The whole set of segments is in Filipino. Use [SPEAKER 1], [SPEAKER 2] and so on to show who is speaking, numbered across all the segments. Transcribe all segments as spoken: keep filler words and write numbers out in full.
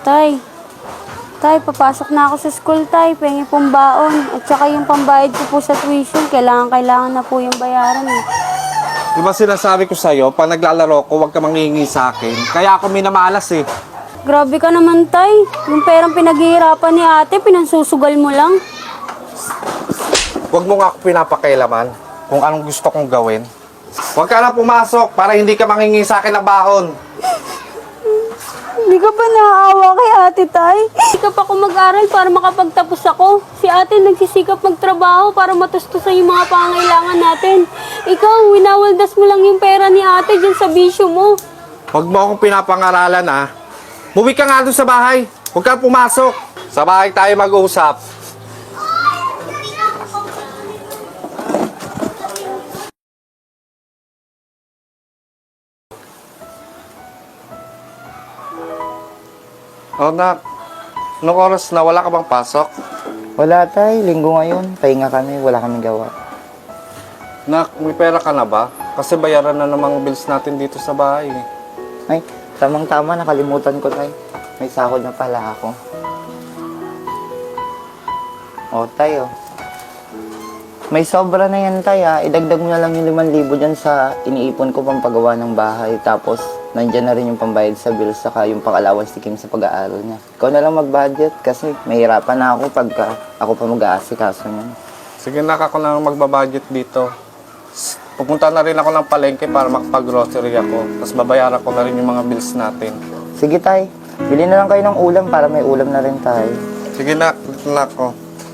[SPEAKER 1] Tay, tay, papasok na ako sa school, tay. Pengi pong baon. At saka yung pambayad ko po sa tuition, kailangan, kailangan na po yung bayaran eh.
[SPEAKER 2] Di ba sinasabi ko sa'yo, pag naglalaro ko, huwag ka manghihingi sa akin. Kaya ako minamalas eh.
[SPEAKER 1] Grabe ka naman, tay. Yung perang pinaghihirapan ni ate, pinansusugal mo lang.
[SPEAKER 2] Huwag mo nga ako pinapakailaman kung anong gusto kong gawin. Huwag ka na pumasok para hindi ka manghingi sa akin ng baon.
[SPEAKER 1] Hindi ka ba naaawa kay ate, tay? Sikap ako mag-aral para makapagtapos ako. Si ate nagsisikap magtrabaho para matustusan yung mga pangailangan natin. Ikaw, winawaldas mo lang yung pera ni ate dyan sa bisyo mo.
[SPEAKER 2] Huwag mo akong pinapangaralan ha. Muwi ka nga doon sa bahay. Huwag ka pumasok. Sa bahay tayo mag-uusap. Oh, nak. Anong oras na? Wala ka bang pasok?
[SPEAKER 3] Wala tay, linggo ngayon. Pahinga kami, wala kaming gawa.
[SPEAKER 2] Nak, may pera ka na ba? Kasi bayaran na namang bills natin dito sa bahay.
[SPEAKER 3] Ay, tamang-tama, nakalimutan ko tay. May sahod na pala ako. O tay, oh. May sobra na yan tay ha. Idagdag mo na lang yung limang libo dyan sa iniipon ko pang pagawa ng bahay. Tapos, nandyan na rin yung pambayad sa bills saka yung pang-allowance ni Kim sa pag-aaral niya. Ikaw na lang mag-budget kasi mahirapan na ako pagka ako pa mag-aasikaso niyan.
[SPEAKER 2] Sige, nak, ako na magbabudget dito. S- Pupunta na rin ako ng palengke para makapag-grocery ako. Tapos babayaran ko na rin yung mga bills natin.
[SPEAKER 3] Sige tay, bili na lang kayo ng ulam para may ulam na rin tayo.
[SPEAKER 2] Sige, nak. Dito na ako.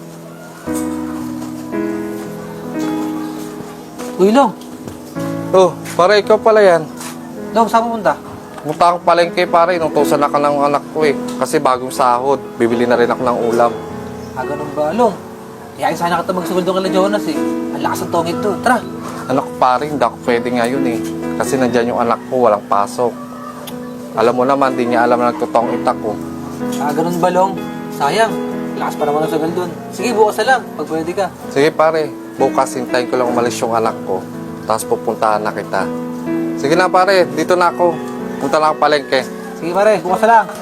[SPEAKER 4] Uy, Long.
[SPEAKER 2] Oh, para ikaw pala yan.
[SPEAKER 4] Long, saan pupunta?
[SPEAKER 2] Pumunta akong palengke, pare. Inutusan na ka ng anak ko eh. Kasi bagong sahod. Bibili na rin ako ng ulam.
[SPEAKER 4] Ah, ganun ba, Long? Iyain sana kita magsugod doon kay Jonas eh. Ang lakas ng tongit to. Tara.
[SPEAKER 2] Anak ko, pare, hindi ako pwede ngayon eh. Kasi nandyan yung anak ko, walang pasok. Alam mo naman, di niya alam na nagtutong itak ko.
[SPEAKER 4] Ah, ganun ba, Long? Sayang. Lakas pa naman ang sugal doon. Sige, bukas na lang. Pag pwede ka.
[SPEAKER 2] Sige, pare. Bukas, hintayin ko lang umalis yung anak ko. Tapos pupuntahan na kita. Sige na, pare. Dito na ako. Punta na ako palengke.
[SPEAKER 4] Sige, pare. Bukas na lang.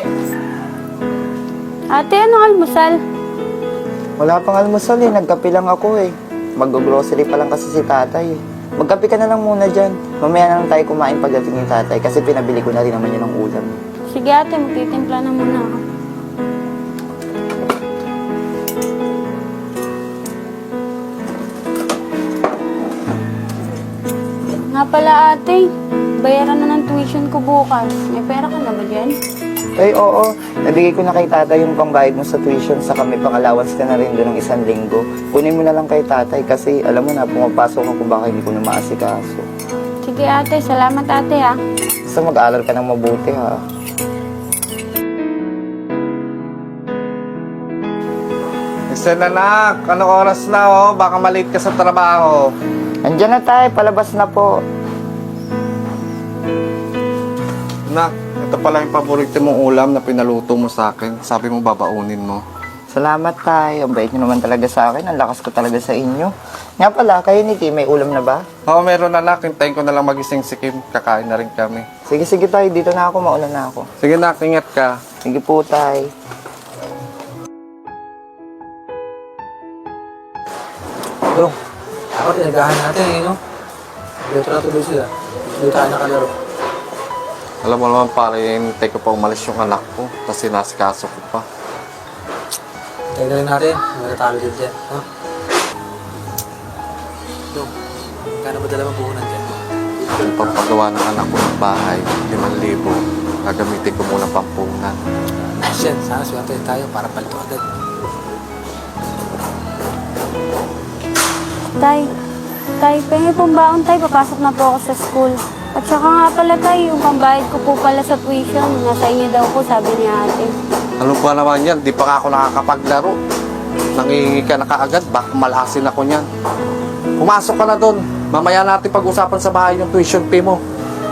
[SPEAKER 1] Ate, anong almusal?
[SPEAKER 3] Wala pang almusal eh, nagkape lang ako eh. Mag-grocery pa lang kasi si tatay eh. Magkape ka na lang muna dyan. Mamaya na lang tayo kumain pagdating ni tatay kasi pinabili ko na rin naman yun ng ulam.
[SPEAKER 1] Sige ate, magtitimpla na muna ako. Nga pala ate, bayaran na ng tuition ko bukas. May pera ka na ba dyan?
[SPEAKER 3] Ay oo, nabigay ko na kay tatay yung pangbayad mo sa tuition saka may pang-allowance ka na rin doon ng isang linggo. Kunin mo na lang kay tatay kasi alam mo na pumapasok ako baka hindi ko na maasikaso.
[SPEAKER 1] Sige ate, salamat ate ha.
[SPEAKER 3] Basta mag-aaral ka ng mabuti ha.
[SPEAKER 2] Isa na, nak. Anong oras na, oh? Baka malate ka sa trabaho.
[SPEAKER 3] Andiyan na tayo, palabas na po.
[SPEAKER 2] Nak, ito pala yung paborito mong ulam na pinaluto mo sa akin. Sabi mo babaunin mo.
[SPEAKER 3] Salamat tayo, ang bait nyo naman talaga sa akin, ang lakas ko talaga sa inyo. Nga pala, kayo ni Kim, may ulam na ba?
[SPEAKER 2] Oo, meron na, nak. Hintayin ko na lang magising si Kim. Kakain na rin kami.
[SPEAKER 3] Sige, sige tayo, dito na ako, mauna na ako.
[SPEAKER 2] Sige, nak. Ingat ka.
[SPEAKER 3] Sige po tayo.
[SPEAKER 4] Long, ako tinagahan natin eh, no? Dito na tuloy sila. Dito tayo nakalaro.
[SPEAKER 2] Alam mo naman, pare, hintay ko pa umalis yung anak ko. Tapos sinasikaso ko pa.
[SPEAKER 4] Tayo na rin natin. Matatalo din dyan, no? Long, kano ba dalawang puhunan dyan?
[SPEAKER 2] Yung pampagawa ng anak ko ng bahay, limang libo. Gagamitin ko muna pampunan.
[SPEAKER 4] Nice yan. Sana swerte tayo para palito agad.
[SPEAKER 1] Tay, tay, pengi pong baon tay, papasok na po ako sa school. At saka nga pala tay, yung pambayad ko po pala sa tuition, nasa inyo daw po, sabi ni ate.
[SPEAKER 2] Ano ba naman yan? Di pa nga ako nakakapaglaro. Nangingi ka na kaagad, baka malasin ako niyan. Pumasok ka na doon. Mamaya natin pag-usapan sa bahay yung tuition fee mo.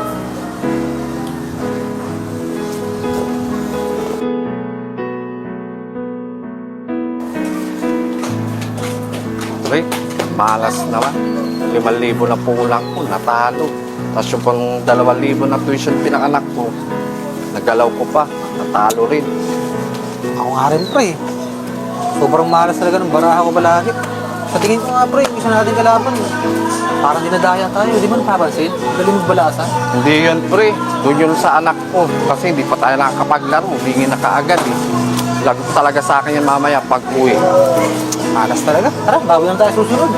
[SPEAKER 2] Rick, malas naman. Limang libo na pulang ko, natalo. Tapos yung pang dalawang libo na tuition pinakanak ko, nagalaw ko pa. Natalo rin.
[SPEAKER 4] Ako nga rin, pre. Sobrang malas talaga ng baraha ko balakit. Sa tingin ko nga, pre, yung isa natin kalaban, parang dinadaya tayo. Di ba napapansin? Galing magbalasa.
[SPEAKER 2] Hindi yun, pre. Doon yun sa anak ko. Kasi hindi pa tayo nakakapaglaro. Humingi na kaagad eh. Lagot talaga sa akin yan mamaya pag uwi.
[SPEAKER 4] Malas talaga. Tara, bago lang tayo susunod.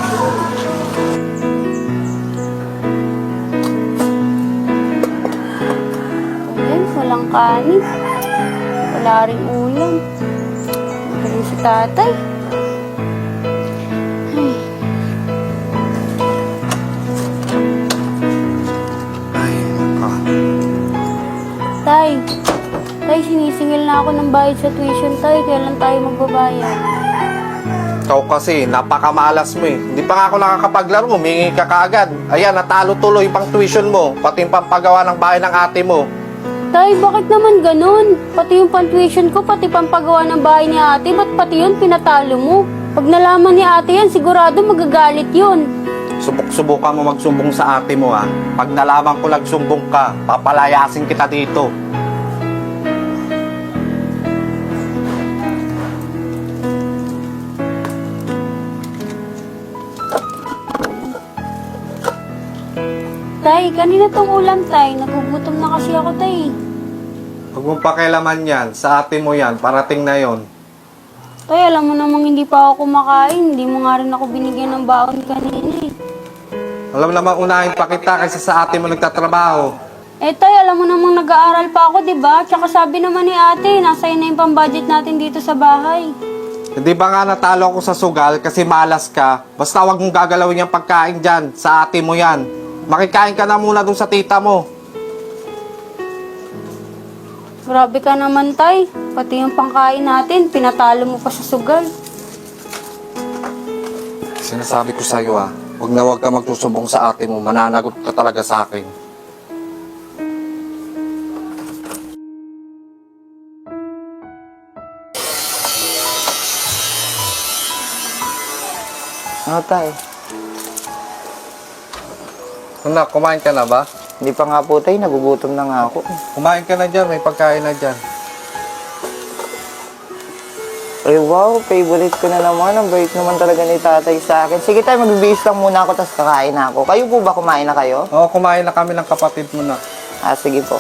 [SPEAKER 1] Ayan, walang kanin. Wala rin ulam. Galing si tatay. Ay.
[SPEAKER 2] Ay, ah.
[SPEAKER 1] Tay, tay, sinisingil na ako ng bayad sa tuition, tay. Kailan tayo magbabayad?
[SPEAKER 2] Ikaw kasi, napakamalas mo eh. Hindi pa nga ako nakakapaglaro, humingi ka kaagad. Ayan, natalo tuloy pang tuition mo, pati yung pampagawa ng bahay ng ate mo.
[SPEAKER 1] Tay, bakit naman ganun? Pati yung pan-tuition ko, pati pampagawa ng bahay ni ate, ba't pati yun pinatalo mo? Pag nalaman ni ate yan, sigurado magagalit yun.
[SPEAKER 2] Subok-subukan mo magsumbong sa ate mo ha. Pag nalaman ko nagsumbong ka, papalayasin kita dito.
[SPEAKER 1] Tay, kanina tong ulam, tay. Nagugutom na kasi ako, tay.
[SPEAKER 2] Huwag mong pakialaman yan, sa ate mo yan, parating na yon.
[SPEAKER 1] Tay, alam mo namang hindi pa ako kumakain. Hindi mo nga rin ako binigyan ng baon kanina eh.
[SPEAKER 2] Alam naman unahin pa kita kaysa sa ate mo nagtatrabaho.
[SPEAKER 1] Eh, tay, alam mo namang nag-aaral pa ako, di ba? Tsaka sabi naman ni ate, nasa na yung pang-budget natin dito sa bahay.
[SPEAKER 2] Hindi ba nga natalo ako sa sugal kasi malas ka? Basta huwag mong gagalawin yung pagkain dyan, sa ate mo yan. Makikain ka na muna dun sa tita mo.
[SPEAKER 1] Grabe ka naman, tay. Pati yung pangkain natin, pinatalo mo pa sa sugal.
[SPEAKER 2] Sinasabi ko sa'yo ah, huwag na huwag ka magsusumbong sa ate mo, mananagot ka talaga sa akin.
[SPEAKER 3] Ano tay?
[SPEAKER 2] Anak, kumain ka na ba?
[SPEAKER 3] Hindi pa nga po tay, nagugutom na nga ako.
[SPEAKER 2] Kumain ka na dyan, may pagkain na dyan.
[SPEAKER 3] Ay wow, favorite ko na naman. Ang bait naman talaga ni tatay sa akin. Sige tay, magbibihis lang muna ako, tapos kakain na ako. Kayo po ba, kumain na kayo?
[SPEAKER 2] Oo, kumain na kami ng kapatid mo na.
[SPEAKER 3] Ah, sige po.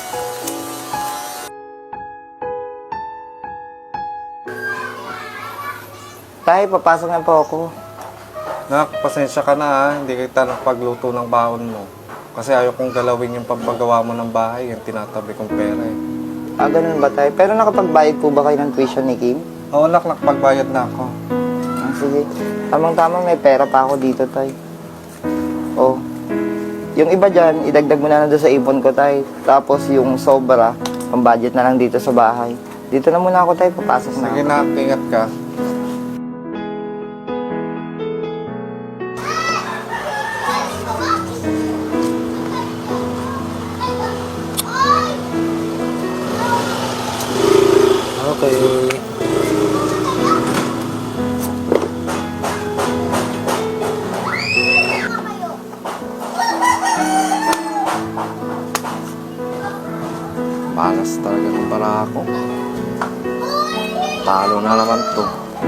[SPEAKER 3] Tay, papasok na po ako.
[SPEAKER 2] Nak, pasensya ka na ha, hindi kita nakapagluto ng baon mo. Kasi ayaw kong galawin yung pagpagawa mo ng bahay, yung tinatabi kong pera eh.
[SPEAKER 3] Ah, ganun ba tay? Pero nakapagbayad po ba kayo ng tuition ni Kim?
[SPEAKER 2] Oo, nak, nakapagbayad na ako.
[SPEAKER 3] Ah, sige. Tamang-tamang may pera pa ako dito, tay. Oh. Yung iba dyan, idagdag mo na lang doon sa ipon ko, tay. Tapos yung sobra, pang-budget na lang dito sa bahay. Dito na muna ako, tay. Papasok na
[SPEAKER 2] Sige
[SPEAKER 3] ako.
[SPEAKER 2] na, ingat ka.
[SPEAKER 4] Okay.
[SPEAKER 2] Malas talaga ng bara ako. Talo na naman to.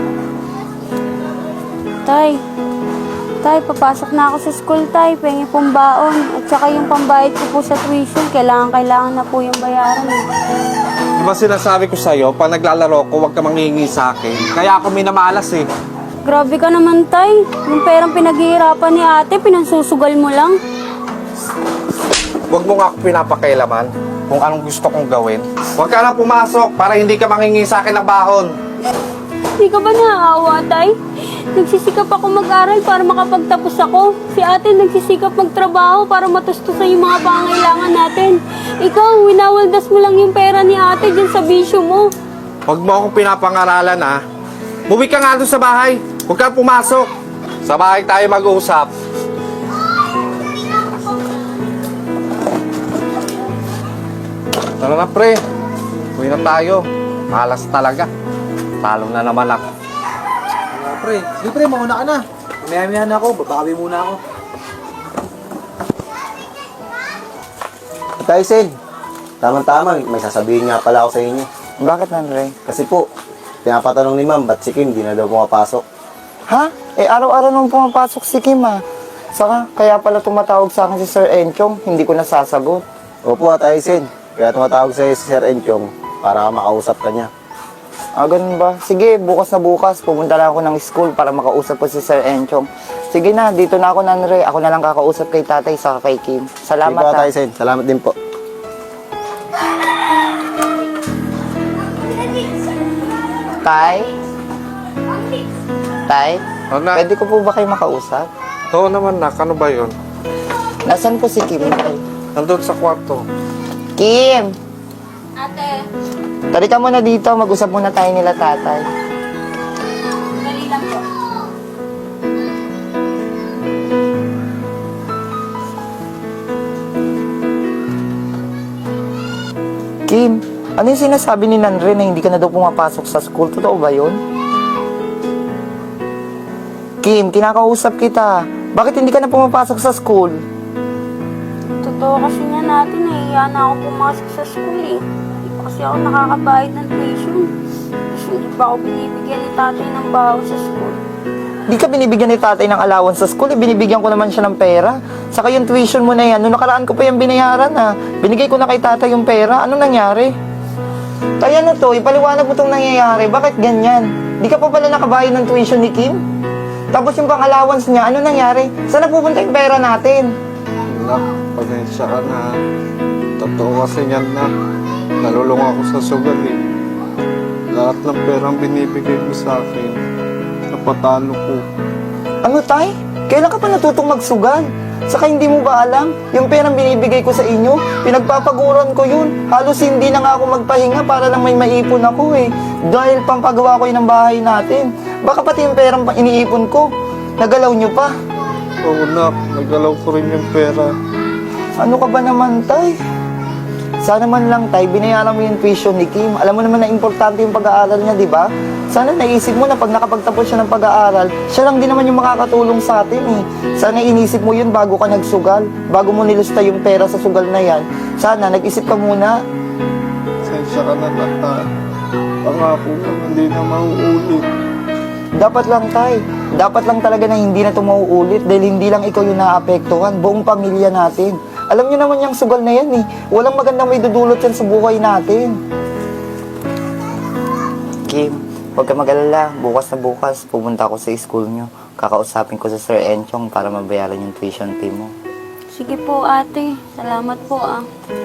[SPEAKER 1] Tay, tay, papasok na ako sa school, tay. Pengi pong baon. At saka yung pambayad ko po sa tuition, kailangan-kailangan na po yung bayaran. Eh.
[SPEAKER 2] Di ba sinasabi ko sa'yo, pag naglalaro ko, huwag ka manghingi sa akin. Kaya ako minamalas eh.
[SPEAKER 1] Grabe ka naman, tay. Yung perang pinaghihirapan ni ate, pinansusugal mo lang.
[SPEAKER 2] Huwag mo nga ako pinapakailaman kung anong gusto kong gawin. Huwag ka na pumasok para hindi ka manghingi sa akin ng bahon.
[SPEAKER 1] Hindi ka ba naaawa, tay? Nagsisikap ako mag-aral para makapagtapos ako. Si ate nagsisikap magtrabaho para matustusan yung mga pangailangan natin. Ikaw, winawaldas mo lang yung pera ni ate dyan sa bisyo mo.
[SPEAKER 2] Huwag mo akong pinapangaralan ha. Buwi ka nga doon sa bahay. Huwag ka pumasok. Sa bahay tayo mag-uusap. Tara na pre. Uwi na tayo. Malas talaga. Talo na naman ako.
[SPEAKER 4] Ano, pre? Sige, pre, mauna ka na. Maya-maya na ako, babawi muna ako.
[SPEAKER 3] Tay, Sid.
[SPEAKER 5] Tama-tama, may sasabihin nga pala ako sa inyo.
[SPEAKER 3] Bakit, Nanre?
[SPEAKER 5] Kasi po, pinapatanong ni ma'am, ba't si Kim di na daw pumapasok?
[SPEAKER 3] Ha? Eh, araw-araw nung pumapasok si Kim, ah. Saka, kaya pala tumatawag sa akin si Sir Enchong, hindi ko nasasagot.
[SPEAKER 5] Opo, Ate Aisin. Kaya tumatawag sa'yo si Sir Enchong para makausap ka niya.
[SPEAKER 3] Ah, ganun ba? Sige, bukas na bukas, pumunta lang ako ng school para makausap ko si Sir Enchong. Sige na, dito na ako, Nanre. Ako na lang kakausap kay tatay, saka kay Kim. Salamat,
[SPEAKER 5] Sige po, Ate
[SPEAKER 3] ha.
[SPEAKER 5] Aisin. Salamat din po.
[SPEAKER 3] Tay? Tay?
[SPEAKER 2] Oh, na,
[SPEAKER 3] Pwede ko po ba kayo makausap?
[SPEAKER 2] oo naman, nak. Ano ba yun?
[SPEAKER 3] Nasaan po si Kim, Tay?
[SPEAKER 2] Nandun sa kwarto.
[SPEAKER 3] Kim!
[SPEAKER 1] Ate,
[SPEAKER 3] Tari ka muna dito, mag-usap muna tayo nila tatay.
[SPEAKER 1] dali lang po.
[SPEAKER 3] Kim, ano yung sinasabi ni Nanre na hindi ka na daw pumapasok sa school? Totoo ba yun? Kim, kinakausap kita. Bakit hindi ka na pumapasok sa school?
[SPEAKER 1] Totoo kasi nga natin, nahiya na ako pumasok sa school eh. Hindi pa kasi ako nakakabayad ng tuition. Tapos hindi pa ako binibigyan ni tatay ng baho sa school.
[SPEAKER 3] Di ka binibigyan ni tatay ng allowance sa school, eh, binibigyan ko naman siya ng pera. Saka yung tuition mo na yan, nung nakaraan ko pa yung binayaran ha. Binigay ko na kay tatay yung pera, ano nangyari? Tay, ano to, ipaliwanag mo itong nangyayari, bakit ganyan? Di ka pa pala nakabayad ng tuition ni Kim? Tapos yung pang-allowance niya, ano nangyari? Saan napupunta yung pera natin?
[SPEAKER 2] Nak, pasensya ka na. Totoo kasi yan, nak. Nalulung ako sa sugal eh. Lahat ng perang binibigay mo sa akin, napatalo ko.
[SPEAKER 3] Ano tay? Kailan ka pa natutong magsugal? Saka hindi mo ba alam? Yung perang binibigay ko sa inyo, pinagpapaguran ko yun. Halos hindi na nga ako magpahinga para lang may maipon ako eh. Dahil pampagawa ko yun ng bahay natin. Baka pati yung perang pa- iniipon ko, nagalaw nyo pa.
[SPEAKER 2] Oo, nak. Nagalaw ko rin yung pera.
[SPEAKER 3] Ano ka ba naman, tay? Sana man lang, tay, binayaran mo yung tuition ni Kim. Alam mo naman na importante yung pag-aaral niya, di ba? Sana naisip mo na pag nakapagtapos siya ng pag-aaral, siya lang din naman yung makakatulong sa atin eh. Sana inisip mo yun bago ka nagsugal, bago mo nilusta yung pera sa sugal na yan. Sana nag-isip ka muna.
[SPEAKER 2] Pasensya ka na, nak. ha. Pangako mo, hindi na mauulit.
[SPEAKER 3] Dapat lang, tay. Dapat lang talaga na hindi na ito mauulit dahil hindi lang ikaw yung naapektuhan, buong pamilya natin. Alam niyo naman yung sugal na yan eh. Walang magandang may dudulot yan sa buhay natin. Kim, huwag ka mag-alala. Bukas na bukas, pumunta ako sa school niyo. Kakausapin ko sa Sir Enchong para mabayaran yung tuition fee mo.
[SPEAKER 1] Sige po ate, salamat po ah.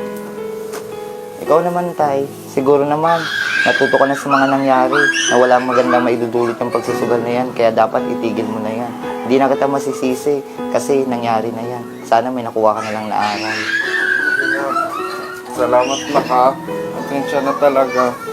[SPEAKER 3] Ikaw naman, tay. Siguro naman, natuto ka na sa mga nangyari na walang magandang maidudulot yung pagsusugal na yan. Kaya dapat itigil mo na yan. Hindi na kita masisisi kasi nangyari na yan. Sana may nakuha ka na lang na aral.
[SPEAKER 2] Salamat, nak. ha. Pasensya na talaga.